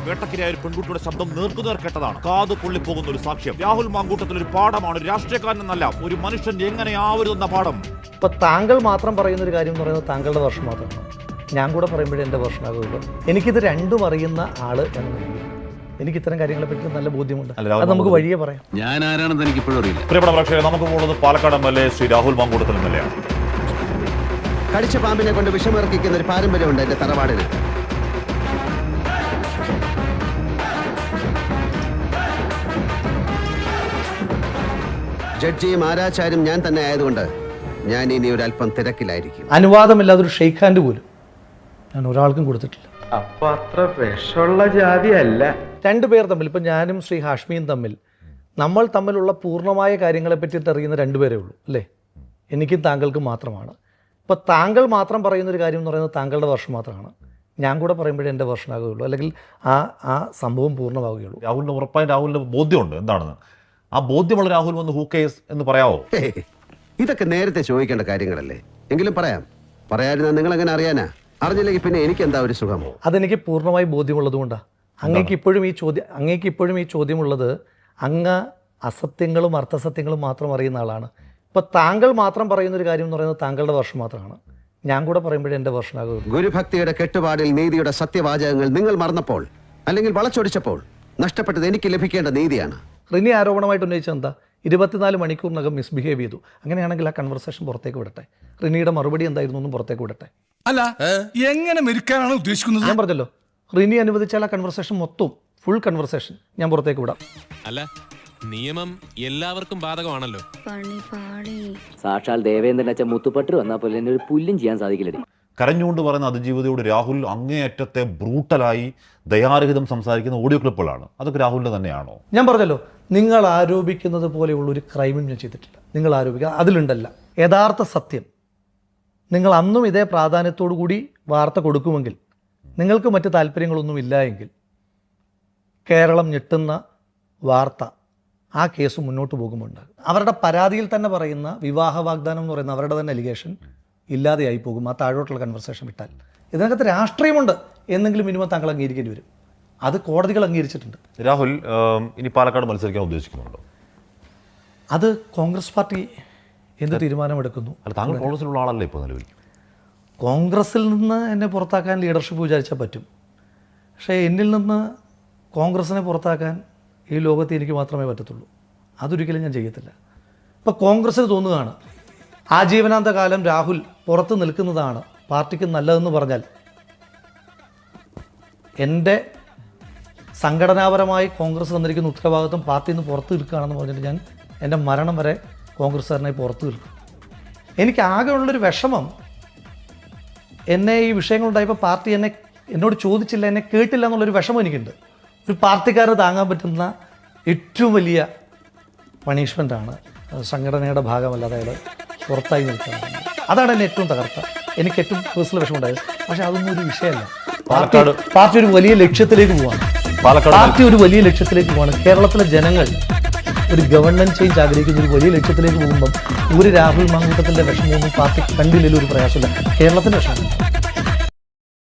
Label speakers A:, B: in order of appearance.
A: വേട്ടക്കിരയായ ഒരു പെൺകുട്ടിയുടെ ശബ്ദം നേർക്കുനേർ കേട്ടതാണ്. കാതു പൊള്ളിപ്പോകുന്ന ഒരു സാക്ഷ്യം. രാഹുൽ മാങ്കൂട്ടത്തിൽ ഒരു പാഠമാണ്. രാഷ്ട്രീയക്കാരനെന്നല്ല, ഒരു മനുഷ്യൻ എങ്ങനെ ആവരുതെന്ന പാഠം.
B: ഇപ്പൊ താങ്കൾ മാത്രം പറയുന്ന ഒരു കാര്യം എന്ന് പറയുന്നത് താങ്കളുടെ വർഷം മാത്രമാണ്. ഞാൻ കൂടെ പറയുമ്പോഴേ എൻ്റെ വർഷമാകുള്ളൂ. എനിക്കിത് രണ്ടും അറിയുന്ന ആള് എന്നുണ്ടെങ്കിൽ എനിക്ക് ഇത്തരം കാര്യങ്ങളെ പറ്റി നല്ല ബോധ്യമുണ്ട്. അത് നമുക്ക് വഴിയെ പറയാം.
C: ഞാൻ ആരാണെന്ന് എനിക്ക് ഇപ്പോഴും അറിയില്ല.
A: പ്രിയപ്പെട്ട പ്രേക്ഷകരെ, നമുക്ക് പോകുന്നത് പാലക്കാട് MLA ശ്രീ രാഹുൽ മാങ്കൂട്ടത്തിൽ MLA ആണ്.
D: കടിച്ച പാമ്പിനെ കൊണ്ട് വിഷമിറക്കിക്കുന്ന ഒരു പാരമ്പര്യമുണ്ട് എന്റെ തറവാടിന്. ജഡ്ജിയും ആരാചാര്യം ഞാൻ തന്നെ ആയതുകൊണ്ട് ഞാൻ ഇനി ഒരു അല്പം തിരക്കിലായിരിക്കും.
B: അനുവാദമില്ലാതെ ഒരു ഷെയ്ക്ക് ഹാൻഡ് പോലും ഞാൻ ഒരാൾക്കും കൊടുത്തിട്ടില്ല.
E: അപ്പൊ അത്ര വിഷമുള്ള ജാതിയല്ല.
B: രണ്ടുപേർ തമ്മിൽ, ഇപ്പം ഞാനും ശ്രീ ഹാഷ്മിയും തമ്മിൽ, നമ്മൾ തമ്മിലുള്ള പൂർണ്ണമായ കാര്യങ്ങളെ പറ്റിയിട്ട് അറിയുന്ന രണ്ടുപേരേ ഉള്ളൂ അല്ലേ? എനിക്കും താങ്കൾക്കും മാത്രമാണ്. ഇപ്പോൾ താങ്കൾ മാത്രം പറയുന്നൊരു കാര്യം എന്ന് പറയുന്നത് താങ്കളുടെ വർഷം മാത്രമാണ്. ഞാൻ കൂടെ പറയുമ്പോഴേ എൻ്റെ വർഷമാകുകയുള്ളൂ, അല്ലെങ്കിൽ ആ സംഭവം പൂർണ്ണമാവുകയുള്ളൂ.
A: രാഹുലിന് ഉറപ്പായും രാഹുലിന് ബോധ്യമുണ്ട് എന്താണെന്ന്. ആ ബോധ്യമുള്ള രാഹുൽ വന്ന് ഹൂ കേസ് എന്ന് പറയാവോ?
D: ഇതൊക്കെ നേരത്തെ ചോദിക്കേണ്ട കാര്യങ്ങളല്ലേ? എങ്കിലും പറയാതിരുന്നാൽ നിങ്ങൾ എങ്ങനെ അറിയാനാ? അറിഞ്ഞില്ലെങ്കിൽ പിന്നെ എനിക്ക് എന്താ ഒരു സുഖമോ?
B: അതെനിക്ക് പൂർണ്ണമായി ബോധ്യമുള്ളത് കൊണ്ടാണ്. അങ്ങേക്ക് ഇപ്പോഴും ഈ ചോദ്യമുള്ളത് അങ്ങ് അസത്യങ്ങളും അർത്ഥസത്യങ്ങളും മാത്രം അറിയുന്ന ആളാണ്. ഇപ്പോൾ താങ്കൾ മാത്രം പറയുന്നൊരു കാര്യം എന്ന് പറയുന്നത് താങ്കളുടെ വർഷം മാത്രമാണ്. ഞാൻ കൂടെ പറയുമ്പോഴേ എൻ്റെ വർഷമാകുള്ളൂ.
D: ഗുരുഭക്തിയുടെ കെട്ടുപാടിൽ നീതിയുടെ സത്യവാചകങ്ങൾ നിങ്ങൾ മറന്നപ്പോൾ, അല്ലെങ്കിൽ വളച്ചൊടിച്ചപ്പോൾ നഷ്ടപ്പെട്ടത് എനിക്ക് ലഭിക്കേണ്ട നീതിയാണ്.
B: റിനി ആരോപണമായിട്ട് ഉന്നയിച്ചത് എന്താ? 24 മണിക്കൂറിനകം മിസ്ബിഹേവ് ചെയ്തു. അങ്ങനെയാണെങ്കിൽ ആ കൺവെർസേഷൻ പുറത്തേക്ക് വിടട്ടെ. റിനിയുടെ മറുപടി എന്തായിരുന്നു എന്നും പുറത്തേക്ക് വിടട്ടെ.
F: അല്ല, എങ്ങനെ മെരുക്കാനാണ് ഉദ്ദേശിക്കുന്നത്?
B: ഞാൻ പറഞ്ഞല്ലോ, റിനി അനുവദിച്ചാൽ ആ കൺവെർസേഷൻ മൊത്തം ഫുൾ കൺവെർസേഷൻ ഞാൻ പുറത്തേക്ക് വിടാം.
G: അല്ല, നിയമം എല്ലാവർക്കും ബാധകമാണല്ലോ.
H: സാക്ഷാൽ ദേവേന്ദ്രൻ അച്ഛൻ മുത്തുപട്ടർ വന്നാൽ പോലെ എന്നെ ഒരു പുല്ലും ചെയ്യാൻ സാധിക്കില്ല.
A: കരഞ്ഞുകൊണ്ട് പറയുന്ന അതിജീവിതയോട് രാഹുൽ അങ്ങേയറ്റത്തെ ബ്രൂട്ടലായി ദയാരഹിതം സംസാരിക്കുന്ന ഓഡിയോ ക്ലിപ്പുകളാണ്. അതൊക്കെ രാഹുലിൻ്റെ തന്നെയാണോ?
B: ഞാൻ പറഞ്ഞല്ലോ, നിങ്ങൾ ആരോപിക്കുന്നത് പോലെയുള്ള ഒരു ക്രൈമും ഞാൻ ചെയ്തിട്ടില്ല. നിങ്ങൾ ആരോപിക്കുക അതിലുണ്ടല്ല യഥാർത്ഥ സത്യം. നിങ്ങൾ അന്നും ഇതേ പ്രാധാന്യത്തോടു കൂടി വാർത്ത കൊടുക്കുമെങ്കിൽ, നിങ്ങൾക്ക് മറ്റ് താല്പര്യങ്ങളൊന്നും ഇല്ല എങ്കിൽ, കേരളം ഞെട്ടുന്ന വാർത്ത ആ കേസ് മുന്നോട്ട് പോകുമുണ്ട്. അവരുടെ പരാതിയിൽ തന്നെ പറയുന്ന വിവാഹ വാഗ്ദാനം എന്ന് പറയുന്ന അവരുടെ തന്നെ അലിഗേഷൻ ഇല്ലാതെയായി പോകും ആ താഴോട്ടുള്ള കൺവെർസേഷൻ വിട്ടാൽ. ഇതിനകത്ത് രാഷ്ട്രീയമുണ്ട് എന്നെങ്കിലും മിനിമം താങ്കൾ അംഗീകരിക്കേണ്ടി വരും. അത് കോടതികൾ അംഗീകരിച്ചിട്ടുണ്ട്.
A: രാഹുൽ ഇനി പാലക്കാട് മത്സരിക്കാൻ ഉദ്ദേശിക്കുന്നുണ്ടോ?
B: അത് കോൺഗ്രസ് പാർട്ടി എന്ത് തീരുമാനമെടുക്കുന്നു?
A: അല്ല, താങ്കൾ കോൺഗ്രസിലുള്ള ആളല്ലേ ഇപ്പോൾ നിലവിൽ?
B: കോൺഗ്രസിൽ നിന്ന് എന്നെ പുറത്താക്കാൻ ലീഡർഷിപ്പ് വിചാരിച്ചാൽ പറ്റും. പക്ഷേ എന്നിൽ നിന്ന് കോൺഗ്രസിനെ പുറത്താക്കാൻ ഈ ലോകത്ത് എനിക്ക് മാത്രമേ പറ്റത്തുള്ളൂ. അതൊരിക്കലും ഞാൻ ചെയ്യത്തില്ല. ഇപ്പോൾ കോൺഗ്രസ്സിന് തോന്നുകയാണ് ആജീവനാന്ത കാലം രാഹുൽ പുറത്ത് നിൽക്കുന്നതാണ് പാർട്ടിക്ക് നല്ലതെന്ന് പറഞ്ഞാൽ, എൻ്റെ സംഘടനാപരമായി കോൺഗ്രസ് തന്നിരിക്കുന്ന ഉത്തരവാദിത്വം പാർട്ടിയിൽ നിന്ന് പുറത്ത് നിൽക്കുകയാണെന്ന് പറഞ്ഞിട്ട് ഞാൻ എൻ്റെ മരണം വരെ കോൺഗ്രസ്സുകാരനായി പുറത്ത് നിൽക്കും. എനിക്ക് ആകെയുള്ളൊരു വിഷമം, എന്നെ ഈ വിഷയങ്ങളുണ്ടായപ്പോൾ പാർട്ടി എന്നോട് ചോദിച്ചില്ല, എന്നെ കേട്ടില്ല എന്നുള്ളൊരു വിഷമം എനിക്കുണ്ട്. ഒരു പാർട്ടിക്കാരന് താങ്ങാൻ പറ്റുന്ന ഏറ്റവും വലിയ പണിഷ്മെൻ്റാണ് സംഘടനയുടെ ഭാഗമല്ലാതെ അയാൾ പുറത്തായി നിൽക്കുന്നത്. അതാണ് എന്നെ ഏറ്റവും തകർത്ത, എനിക്ക് ഏറ്റവും പേഴ്സണൽ വിഷമമുണ്ടായത്. പക്ഷേ അതൊന്നും ഒരു വിഷയമല്ല. പാർട്ടി ഒരു വലിയ ലക്ഷ്യത്തിലേക്ക് പോവാണ്. കേരളത്തിലെ ജനങ്ങൾ ഒരു ഗവൺമെൻറ് ചേഞ്ച് ആഗ്രഹിക്കുന്ന ഒരു വലിയ ലക്ഷ്യത്തിലേക്ക് പോകുമ്പം ഒരു രാഹുൽ മാങ്കൂട്ടത്തിൻ്റെ വിഷമമൊന്നും പാർട്ടി കണ്ടില്ലല്ലോ. ഒരു പ്രയാസമില്ല. കേരളത്തിൻ്റെ വിഷമം